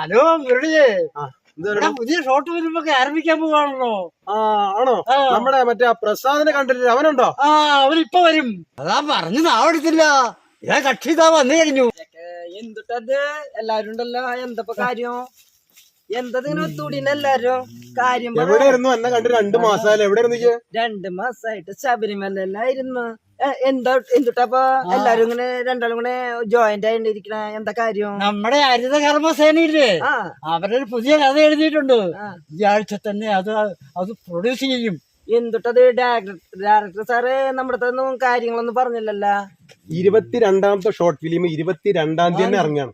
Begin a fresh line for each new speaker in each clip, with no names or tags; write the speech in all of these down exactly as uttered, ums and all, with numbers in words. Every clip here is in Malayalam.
ഹലോ മുരളിയെ, പുതിയ ഷോർട്ട് ഫിലിമൊക്കെ ആരംഭിക്കാൻ പോവാണല്ലോ.
ആ ആണോ? നമ്മുടെ മറ്റേ പ്രസാദിനെ കണ്ടിട്ടില്ല, അവനുണ്ടോ?
ആ അവനിപ്പൊ വരും. അതാ പറഞ്ഞു നാവെടുത്തില്ല. ഞാൻ കക്ഷി ഇതാ വന്നു കഴിഞ്ഞു.
എന്തുട്ടത് എല്ലാരും ഉണ്ടല്ലോ, എന്തപ്പോ കാര്യം? എന്തതിങ്ങനെ ഒത്തുകൂടിന് എല്ലാരും കാര്യം?
എവിടെയായിരുന്നു എന്നെ കണ്ടു? രണ്ടു മാസമായാലും എവിടെയായിരുന്നു?
രണ്ടു മാസായിട്ട് ശബരിമലയിലായിരുന്നു. എന്താ എന്തുട്ടപ്പൊ എല്ലാരും ഇങ്ങനെ രണ്ടാളും കൂടെ ജോയിന്റ് ആയിട്ടിരിക്കണ? എന്താ കാര്യം?
നമ്മുടെ ഹരിത കർമ്മസേനയില്ലേ, അവരൊരു പുതിയ കഥ എഴുതിയിട്ടുണ്ട്. ഈ ആഴ്ച തന്നെ അത് അത് പ്രൊഡ്യൂസ് ചെയ്യും.
എന്തുട്ടത് ഡയറക്ടർ സാറ് നമ്മുടെ ഒന്നും കാര്യങ്ങളൊന്നും പറഞ്ഞില്ലല്ലോ.
ഇരുപത്തിരണ്ടാമത്തെ ഷോർട്ട് ഫിലിം ഇരുപത്തിരണ്ടാം തീയതി തന്നെ ഇറങ്ങാണ്.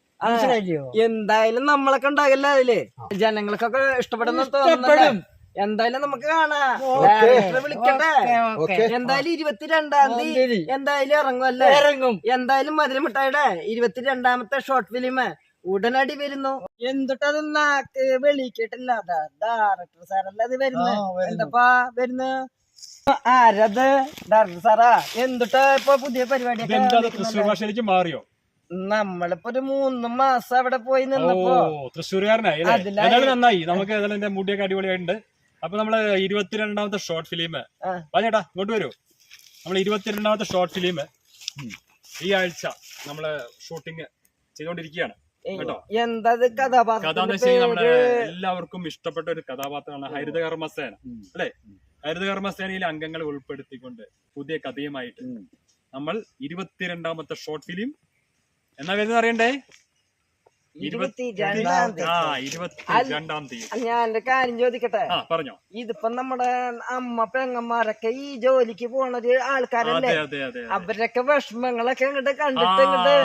എന്തായാലും നമ്മളൊക്കെ ഉണ്ടാകില്ല അതില്, ജനങ്ങൾക്കൊക്കെ ഇഷ്ടപ്പെടുന്ന തോന്നുന്നു. എന്തായാലും നമുക്ക് കാണാം, ഡയറക്ടറെ വിളിക്കട്ടെ. എന്തായാലും ഇരുപത്തിരണ്ടാം തീയതി എന്തായാലും ഇറങ്ങുമല്ലേ?
ഇറങ്ങും.
എന്തായാലും മധുരമിട്ടായുടെ ഇരുപത്തിരണ്ടാമത്തെ ഷോർട്ട് ഫിലിം ഉടനടി വരുന്നു. എന്തുട്ടത് നാക്ക് വെളിക്കിട്ടില്ല, ഡയറക്ടർ സാറല്ല അത് വരുന്നു. എന്തപ്പാ വരുന്നു? ആരത്? ഡയറക്ടർ സാറാ? എന്തുട്ടാ ഇപ്പൊ പുതിയ പരിപാടി?
മാറിയോ?
നമ്മളിപ്പോ ഒരു മൂന്ന് മാസം അവിടെ പോയി നിന്നപ്പോ
തൃശ്ശൂർകാരനായി. നന്നായി, നമുക്ക് ഏതായാലും മുടിയൊക്കെ അടിപൊളിയായിട്ടുണ്ട്. അപ്പൊ നമ്മള് ഇരുപത്തിരണ്ടാമത്തെ ഷോർട്ട് ഫിലിം പറഞ്ഞേട്ടാ ഇങ്ങോട്ട് വരൂ. നമ്മള് ഇരുപത്തിരണ്ടാമത്തെ ഷോർട്ട് ഫിലിം ഈ ആഴ്ച നമ്മള് ഷൂട്ടിങ് ചെയ്തോണ്ടിരിക്കുകയാണ് കേട്ടോ.
എന്താ കഥാപാത്രം?
കഥ എന്ന് വെച്ചാൽ നമ്മുടെ എല്ലാവർക്കും ഇഷ്ടപ്പെട്ട ഒരു കഥാപാത്രമാണ് ഹരിത കർമ്മസേന അല്ലെ. ഹരിത കർമ്മസേനയിലെ അംഗങ്ങളെ ഉൾപ്പെടുത്തിക്കൊണ്ട് പുതിയ കഥയുമായിട്ട് നമ്മൾ ഇരുപത്തിരണ്ടാമത്തെ ഷോർട്ട് ഫിലിം എന്നാ വരുന്നത് അറിയണ്ടേ?
ഇരുപത്തിരണ്ടാം തീയതി. ഞാൻ കാര്യം ചോദിക്കട്ടെ?
പറഞ്ഞോ.
ഇതിപ്പോ നമ്മുടെ അമ്മ പെങ്ങന്മാരൊക്കെ ഈ ജോലിക്ക് പോണൊരു ആൾക്കാരല്ലേ, അവരൊക്കെ വിഷമങ്ങളൊക്കെ അങ്ങോട്ട് കണ്ടിട്ട് ഇങ്ങോട്ട്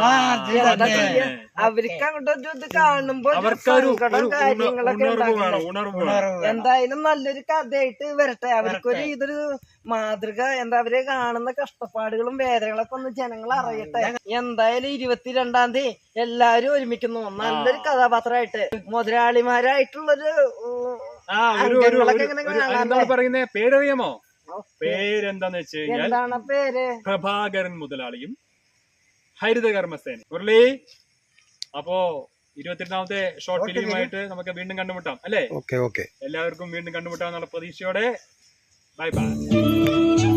അവർക്ക് അങ്ങോട്ട് ഇത് കാണുമ്പോ കാര്യങ്ങളൊക്കെ എന്തായാലും നല്ലൊരു കഥയായിട്ട് വരട്ടെ. അവർക്കൊരു ഇതൊരു മാതൃക, എന്താ അവര് കാണുന്ന കഷ്ടപ്പാടുകളും വേദനകളൊക്കെ ഒന്ന് ജനങ്ങൾ അറിയട്ടെ. എന്തായാലും ഇരുപത്തിരണ്ടാം തീയതി എല്ലാരും ഒരുമിക്കുന്നു നല്ലൊരു കഥാപാത്രമായിട്ട്, മുതലാളിമാരായിട്ടുള്ളൊരു
പറയുന്ന പേരറിയാമോ? പേരെന്താന്ന് വെച്ച് കഴിഞ്ഞാൽ
എന്താണ് പേര്?
പ്രഭാകരൻ മുതലാളിയും ഹരിത കർമ്മസേന മുരളി. അപ്പോ ഇരുപത്തിരണ്ടാമത്തെ ഷോർട്ട് ഫിലിമായിട്ട് നമുക്ക് വീണ്ടും കണ്ടുമുട്ടാം അല്ലേ?
Okay okay.
എല്ലാവർക്കും വീണ്ടും കണ്ടുമുട്ടാം എന്നുള്ള പ്രതീക്ഷയോടെ ബൈ ബൈ.